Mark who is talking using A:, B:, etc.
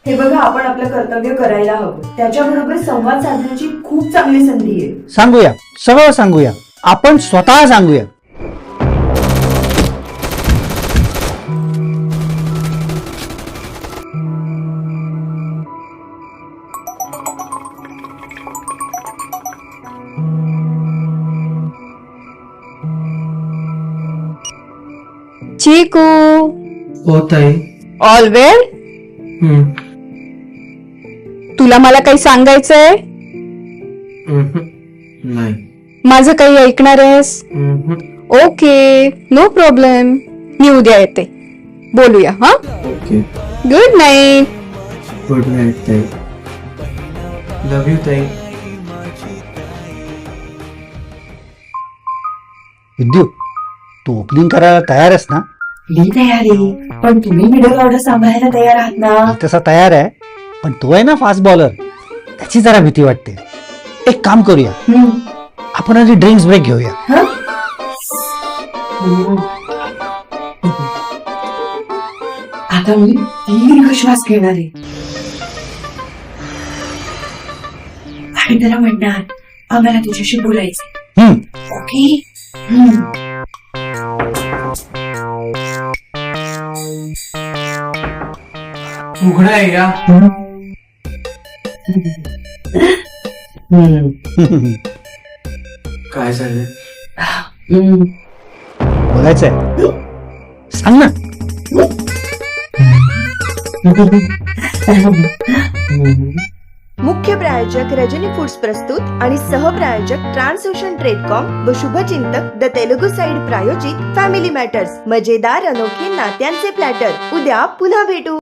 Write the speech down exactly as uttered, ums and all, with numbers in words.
A: हे बघा, आपण आपलं कर्तव्य करायला हवं. त्याच्याबरोबर संवाद साधण्याची खूप चांगली संधी आहे.
B: सांगूया, सगळं सांगूया. आपण स्वतः सांगूया.
C: चिकू,
D: हो ताई.
C: All well?
D: हम्म.
C: तुला मला काही सांगायचंय?
D: हम्म. नाही.
C: माझं काही ऐकणार आहेस?
D: हम्म.
C: Okay, no problem. मी उद्या येते, बोलूया. हा,
D: okay.
C: Good night.
D: Good night ताई. लव यू ताई.
B: विद्यू, तू ओपनिंग करायला तयार आहेस ना?
A: मी तयार आहे, पण तुम्ही मिडल ऑर्डर सांभाळायला तयार आहात ना?
B: मी तसा तयार आहे, पण तो आहे ना फास्ट बॉलर, त्याची जरा भीती वाटते. एक काम करूया,
A: हम्म.
B: आपण आधी ड्रिंक्स ब्रेक घेऊया.
A: हं? हम्म. आता मी दीर्घ श्वास घेणार आहे आणि त्याला म्हणणार, आम्हाला तुझ्याशी बोलायचं.
B: हम्म.
A: ओके? हम्म.
D: उघडा आहे या.
A: हम्म.
D: काय झालं?
A: हम्म.
B: बोलायचंय, सांग ना.
E: मुख्य प्रायोजक रजनी फूड्स प्रस्तुत आणि सहप्रायोजक ट्रान्सओशन ट्रेडकॉम व शुभचिंतक द तेलुगू साइड प्रायोजित फॅमिली मॅटर्स, मजेदार अनोखे नात्यांचे प्लॅटर. उद्या पुन्हा भेटू.